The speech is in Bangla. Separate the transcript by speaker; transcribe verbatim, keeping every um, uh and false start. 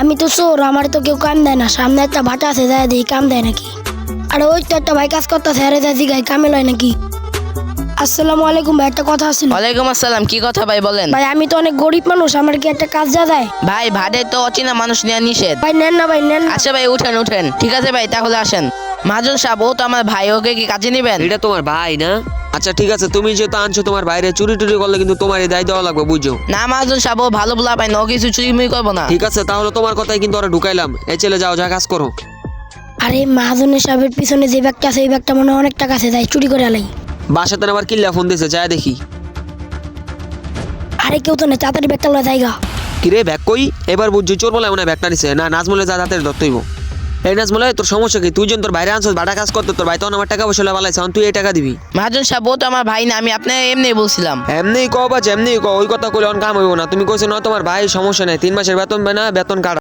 Speaker 1: আমি তো চোর, আমার তো কেউ কাম দেয় না। সামনে একটা ভাটা আছে, যায় দেখি কাম দেয় নাকি। আর ওই তো একটা ভাই কাজ করতেছে, আরে যা জিগাই কামে লয় নাকি। আসসালামু আলাইকুম ভাই, একটা কথা ছিল।
Speaker 2: ওয়ালাইকুম আসসালাম, কি কথা ভাই বলেন।
Speaker 1: ভাই আমি তো অনেক গরিব মানুষ, আমার কি একটা কাজ যা যায়?
Speaker 2: ভাই ভাড়ে তো অচেনা মানুষ নেওয়া নিষেধ।
Speaker 1: ভাই নেন না, ভাই নেন না।
Speaker 2: আচ্ছা ভাই উঠেন উঠেন, ঠিক আছে ভাই তাহলে আসেন। মহাজন সাহেব, ও তো আমার ভাই, ওকে কি কাজে নিবেন?
Speaker 3: এটা তোমার ভাই না? আচ্ছা ঠিক আছে, তুমি যেহেতু আনছো তোমার বাইরে চুরি টুরি করলে কিন্তু তোমার এই দায় দেওয়া লাগবে, বুঝছো?
Speaker 2: না মহাজন সাহেব, ও ভালো বলা পাই না, ও কিছু চুরি মুই করবো না।
Speaker 3: ঠিক আছে, তাহলে তোমার কথাই কিন্তু ওরা ঢুকাইলাম। এই ছেলে যাও, যা কাজ করো।
Speaker 1: আরে মহাজনের সাহেবের পিছনে যে ব্যাগটা আছে, এই ব্যাগটা মনে হয় অনেক টাকা আছে, যাই চুরি করে আলাই।
Speaker 3: বাসাতে আবার কিল্লা ফোন দিয়েছে, যায় দেখি।
Speaker 1: আরে কেউ তো নেই, তাড়াতাড়ি ব্যাগটা লয় জায়গা।
Speaker 3: কিরে ব্যাগ কই? এবার বুঝছি চোর বলে মনে হয় ব্যাগটা নিছে। না, নাজমুলে যা হাতের ধরতেইব। এই নাজমুলে, তোর সমস্যা কি? তুই যেন তোর বাইরে আনছিস বাটা কাজ করতে, তোর ভাই তখন আমার টাকা পয়সা বালাইছে, এখন তুই এই টাকা দিবি?
Speaker 2: মহাজন সাহেব, ও তো আমার ভাই না, আমি আপনার এমনি বলছিলাম।
Speaker 3: এমনি কও বা যেমনি কও, ওই কথা কইলে অন কাম হইব না। তুমি কইছো না তোমার ভাই, সমস্যা নেই, তিন মাসের বেতন পায় না, বেতন কাটা।